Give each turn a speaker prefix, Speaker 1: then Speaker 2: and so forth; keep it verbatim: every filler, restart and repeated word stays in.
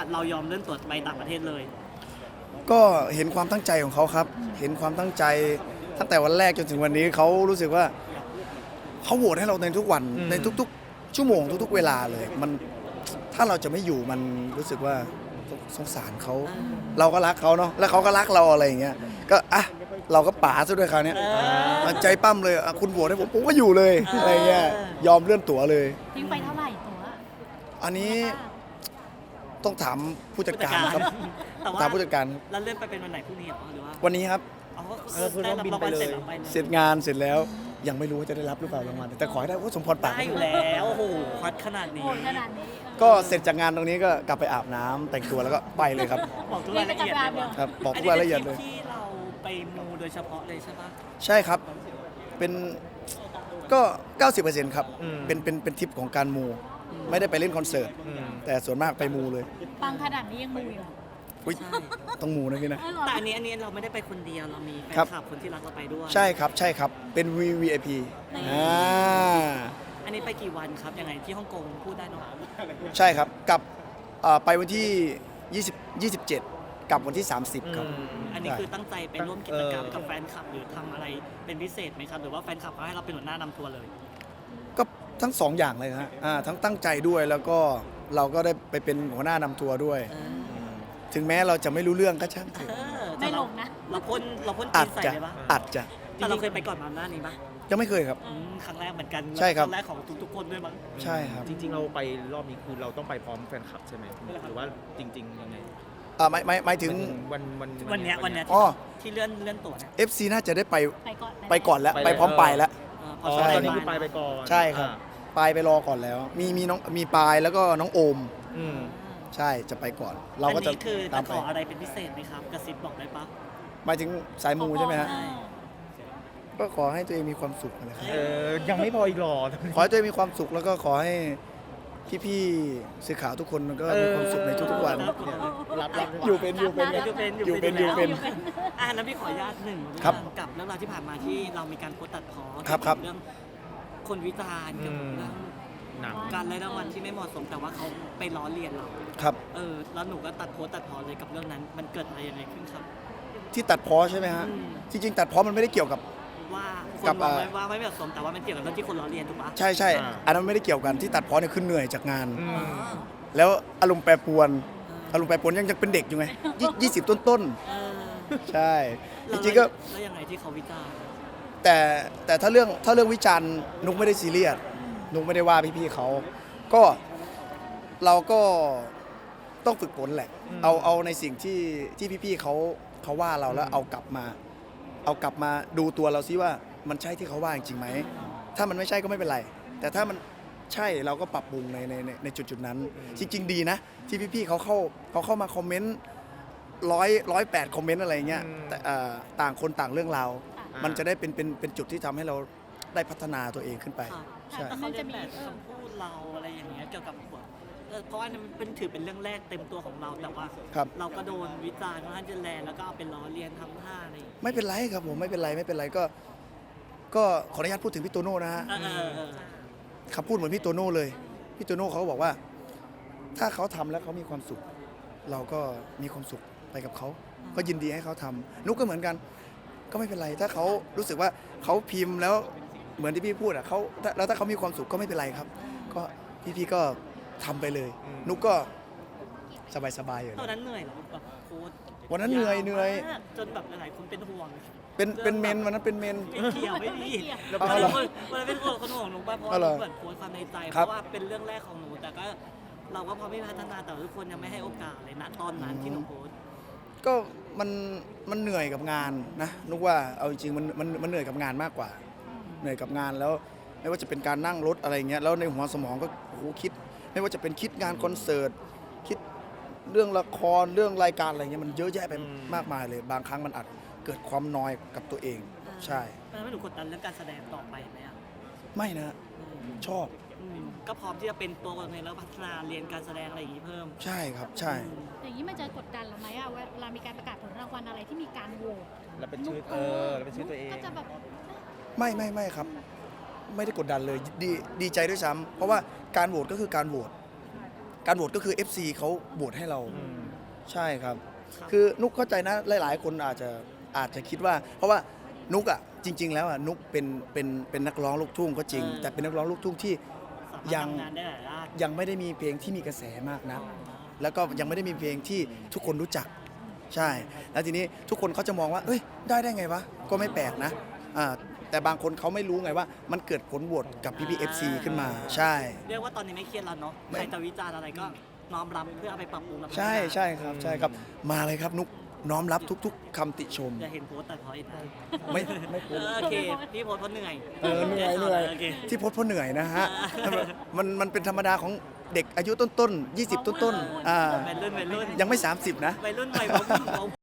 Speaker 1: เรายอมเลื่อนตั๋วไปต่างประเทศเลย
Speaker 2: ก็เห็นความตั้งใจของเขาครับ เห็นความตั้งใจตั้งแต่วันแรกจนถึงวันนี้เขารู้สึกว่าเขาโหวตให้เราในทุกวันในทุกๆ ชั่วโมงทุกๆเวลาเลยมันถ้าเราจะไม่อยู่มันรู้สึกว่าสงสารเขาเราก็รักเขาเนาะแล้วเขาก็รักเราอะไรอย่างเงี้ยก็อ่ะเราก็ป๋าซะด้วยคราวนี้ใจปั้มเลยคุณโหวตให้ผมผมก็อยู่เลยอะไรเงี้ยยอมเลื่อนตั๋วเลย
Speaker 3: ทิ้งไปเท่าไหร่ตั๋ว
Speaker 2: อันนี้ต้องถามผู้จัดการครับถามผู้จัดการ
Speaker 1: แล้วเลื่อนไปเป็นวันไหนพรุ่งนี้หรอหรือว่า
Speaker 2: วันนี้ครับ
Speaker 1: เออคือต้องบินไปเลย
Speaker 2: เสร็จงานเสร็จแล้วยังไม่รู้ว่าจะได้รับหรือเปล่ารางวัลแต่ขอให้ได้ว่าสมพรปาก
Speaker 1: ได้อยู่แล้วโอ้โหควัดขนาดนี้
Speaker 2: ก็เสร็จจากงานตรงนี้ก็กลับไปอาบน้ำแต่งตัวแล้วก็ไปเลยครับ
Speaker 1: บอกทุกรายละเอียด
Speaker 2: ครับบอกทุกรายละเอียดเลย
Speaker 1: ที่เราไปมูโดยเฉพาะเลยใช่ปะ
Speaker 2: ใช่ครับเป็นก็ เก้าสิบเปอร์เซ็นต์ ครับเป็นเป็นเป็นทริปของการมูไม่ได้ไปเล่นคอนเสิร์ตแต่ส่วนมากไปมูเลย
Speaker 3: ปังขนาดนี้ยังมูอยู่
Speaker 2: อุ้ยต้องมูนะพี่นะ
Speaker 1: แต่อันนี้อันนี้เราไม่ได้ไปคนเดียวเรามีแฟนคลับคนที่รักเราไปด้วย
Speaker 2: ใช่ครับใช่ครับเป็น วี วี ไอ พี อ่า
Speaker 1: อันนี้ไปกี่วันครับยังไงที่ฮ่องกงพูดได้เนาะ
Speaker 2: ใช่ครับกลับไปวันที่ยี่สิบ ยี่สิบเจ็ดกลับวันที่สามสิบครับ
Speaker 1: อันนี้คือตั้งใจไปร่วมกิจกรรมกับแฟนคลับหรือทำอะไรเป็นพิเศษไหมครับหรือว่าแฟนคลับเขาให้เราเป็นหัวหน้านำทัวร์เลย
Speaker 2: ก็ทั้งสองอย่างเลยฮะทั้งตั้งใจด้วยแล้วก็เราก็ได้ไปเป็นหัวหน้านำทัวร์ด้วยถึงแม้เราจะไม่รู้เรื่องก็ช่างเถอะ
Speaker 3: ไม่ลงนะ
Speaker 1: เราพ่นเราพ่นจีนใส่เลยปะ
Speaker 2: อาจจะ
Speaker 1: แต่เราเคยไปก่อนมาหน้านี้ปะ
Speaker 2: ยังไม่เคยครับ
Speaker 1: ครั้งแรกเหมือนกัน
Speaker 2: ใช่ครับ
Speaker 1: ครั้งแรกของทุกๆคนด้วยมั้ง
Speaker 2: ใช่ครับ
Speaker 4: จริงๆเราไปรอบนี้คือเราต้องไปพร้อมแฟนคลับใช่ไหมหรือว่าจริงๆยังไง
Speaker 2: อ่าไม่ไม่ไม่ถึง
Speaker 4: วันวัน
Speaker 1: วันนี้วันนี้ที่เลื่อนเลื่อนตั๋วเนี่ย
Speaker 2: เอฟ ซี น่าจะได้ไป
Speaker 3: ไป
Speaker 2: ก่อนแล้วไปพร้อมปลายแล้ว
Speaker 4: อ๋อตอนนี้คือไปไปก่อน
Speaker 2: ใช่ครับปลายไปรอก่อนแล้วมีมีน้องมีปลายแล้วก็น้องโอมใช่จะไปก่อนเราก็จะ
Speaker 1: คือจะขออะไรเป็นพิเศษไหมครับกระซิบบอกได้ปะ
Speaker 2: หมายถึงสายมูใช่ไหมฮะก็ขอให้ตัวเองมีความสุขนะครับ
Speaker 4: เออยังไม่พออีกหรอ
Speaker 2: ขอให้ตัวเองมีความสุขแล้วก็ขอให้พี่ๆสื่อข่าวทุกคนก็มีความสุขในทุกๆวัน
Speaker 4: รับรับ
Speaker 2: อยู่เป็นอยู่เป็น
Speaker 1: อยู่เป็น
Speaker 2: อยู่เป็นอยู่เป็น
Speaker 1: อ่าแล้วพี่ขออนุญาตหนึ่งกับเรื่องราวที่ผ่านมาที่เรามีการโพสต์ตัดพ้อเรื่องคนวิจารณ์เกี่ยวกับเรื่องการไล่รางวัลที่ไม่เหมาะสมแต่ว่าเขาไปล้อเลียนเรา
Speaker 2: ครับ
Speaker 1: เออแล้วหนูก็ตัดโพสตัดพ้อเลยกับเรื่องนั้นมันเกิดอะไรยังไงขึ้นครับ
Speaker 2: ที่ตัดพ้อใช่ไหมฮะจริงๆตัดพ้อมันไม่ได้เกี่ยวกับ
Speaker 1: ว่าคนมองว่าไม่เหมาะสมแต่ว่ามันเกี่ยวกับเรื่องที่คนล้อเลียนถูกปะ
Speaker 2: ใช่ใช่อันนั้นไม่ได้เกี่ยวกันที่ตัดพ้อเนี่ยคือเหนื่อยจากงานแล้วอารมณ์แปรปรวนอารมณ์แปรปรวนยังยังเป็นเด็กอยู่ไงยี่สิบต้นๆใช่จริงๆก็
Speaker 1: แล้วยังไงที่เขาวิจารณ์
Speaker 2: แต่แต่ถ้าเรื่องถ้าเรื่องวิจารณ์นุ๊กไม่ได้ซีเรียสนุ๊กไม่ได้ว่าพี่ๆเขาก็เราก็ต้องฝึกฝนแหละเอาเอาในสิ่งที่ที่พี่ๆเขาเขาว่าเราแล้วเอากลับมาเอากลับมาดูตัวเราซิว่ามันใช่ที่เขาว่าจริงไหมถ้ามันไม่ใช่ก็ไม่เป็นไรแต่ถ้ามันใช่เราก็ปรับปรุงในในในจุดจุดนั้นจริงๆดีนะที่พี่ๆเขาเข้าเขาเข้ามาคอมเมนต์ร้อยร้อยแปดคอมเมนต์อะไรเงี้ยแต่ต่างคนต่างเรื่องราวมันจะได้เป็นเป็นเป็นจุดที่ทำให้เราได้พัฒนาตัวเองขึ้นไป
Speaker 1: ใช่เขาจะมีคำพูดเราอะไรอย่างเงี้ยเกี่ยวกับเพราะว่ามันเป็นถือเป็นเรื่องแรกเต็มตัวของเราแต่ว่าเราก็โดนวิจารณ์ค่อนข้างจะแรงแล้วก็เป็นล้อเลียนทำท่าอะไร
Speaker 2: ไม่เป็นไรครับผมไม่เป็นไรไม่เป็นไรก็ก็ขออนุญาตพูดถึงพี่โตโน่นะฮะคำพูดเหมือนพี่โตโน่เลยพี่โตโน่เขาบอกว่าถ้าเขาทำแล้วเขามีความสุขเราก็มีความสุขไปกับเขาก็ยินดีให้เขาทำนุ๊กก็เหมือนกันก็ไม่เป็นไรถ้าเขารู้สึกว่าเขาพิมพ์แล้วเหมือนที่พี่พูดอ่ะเขาแล้วถ้าเขามีความสุขก็ไม่เป็นไรครับก็พี่ๆก็ทำไปเลยนุ๊กก็สบายๆอยู่
Speaker 1: ตอนนั้นเหนื่อยเหรอแบบโค้ช
Speaker 2: วันนั้นเหนื่อยเหนื่อย
Speaker 1: จนแบบหลายๆคนเป็นห่วง
Speaker 2: เป็นเป็นเมนวันนั้นเป็นเมน
Speaker 1: เกี่ยวไม่ดีแล้ววันนั้นเป็นห่วงคนห่วงหนูป่ะเพราะว่าเหมือนโค้ชความในใจเพราะว่าเป็นเรื่องแรกของหนูแต่ก็เราก็พอไม่พัฒนาแต่ทุกคนยังไม่ให้โอกาสเลยณตอนนั้นที่หนูโค้ช
Speaker 2: ก็มันมันเหนื่อยกับงานนะนุกว่าเอาจริงๆมันมันมันเหนื่อยกับงานมากกว่าเหนื่อยกับงานแล้วไม่ว่าจะเป็นการนั่งรถอะไรเงี้ยแล้วในหัวสมองก็โอ้โหคิดไม่ว่าจะเป็นคิดงานคอนเสิร์ตคิดเรื่องละครเรื่องรายการอะไรเงี้ยมันเยอะแยะไปมากมายเลยบางครั้งมันอาจเกิดความนอยกับตัวเองใช่
Speaker 1: แล้วไม่หนูกดดันเรื่องการแสดงต่อไปไหมอ่ะ
Speaker 2: ไม่นะชอบ
Speaker 1: ก็พร้อมที่จะเป็นตัวในแล้วพัฒนาเรียนการแสดงอะไรอย่างนี้เพิ่ม
Speaker 2: ใช่ครับใช่
Speaker 3: อย่างนี้มันจะกดดันเราไหมอะเวลามีการประกาศผลรางวัลอะไรที่มีการโหวต
Speaker 4: แล้วเป็นชื่อเออแล้วเป็นชื่อตัวเอง
Speaker 3: ก็จะแบบ
Speaker 2: ไม่ไม่ไม่ครับไม่ได้กดดันเลยดีดีใจด้วยซ้ำเพราะว่าการโหวตก็คือการโหวตการโหวตก็คือ เอฟ ซี เขาโหวตให้เรา
Speaker 4: อืม
Speaker 2: ใช่ครับ คือนุกเข้าใจนะหลาย ๆ คนอาจจะอาจจะคิดว่า เพราะว่านุกอ่ะจริง ๆ แล้วอ่ะนุกเป็นเป็นเป็นนักร้องลูกทุ่งก็จริง
Speaker 1: เออ
Speaker 2: แต่เป็นนักร้องลูกทุ่งที่
Speaker 1: สามารถ
Speaker 2: ยัง
Speaker 1: ทำงานได้หลายด้าน
Speaker 2: ยังไม่ได้มีเพลงที่มีกระแสมากนะแล้วก็ยังไม่ได้มีเพลงที่ทุกคนรู้จักใช่ แล้วทีนี้ทุกคนเขาจะมองว่าเอ้ยได้ได้ไงวะก็ไม่แปลกนะอ่าแต่บางคนเขาไม่รู้ไงว่า มันเกิดผลโหวตกับพี่พีเอฟซีขึ้นมาใช่
Speaker 1: เรียกว่าตอนนี้ไม่เครียดแล้วเนาะ
Speaker 2: ไม่
Speaker 1: ใครจะวิจารณ์อะไรก็น้อมรับเพื่อเอาไปปรับปรุงและพัฒนา
Speaker 2: ใช่ใช่ครับใช่ครับมาเลยครับนุกน้อมรับทุก ๆคำติชม
Speaker 1: อย่าเห็นโพสต์แต่พออีกนะ
Speaker 2: ไม่ไม่
Speaker 1: เออโอเคพี่โพสต์เพราะเหนื่อย
Speaker 2: เออเหนื่อยเหนื่อย
Speaker 1: โอเค
Speaker 2: ที่โพสต์เพราะเหนื่อยนะฮะมันมันเป็นธรรมดาของเด็กอายุต้นๆยี่สิบต้นๆอ่า
Speaker 1: วัยรุ่นวัยรุ่น
Speaker 2: ยังไม่สามสิบนะ
Speaker 1: วัยรุ่นวัยผม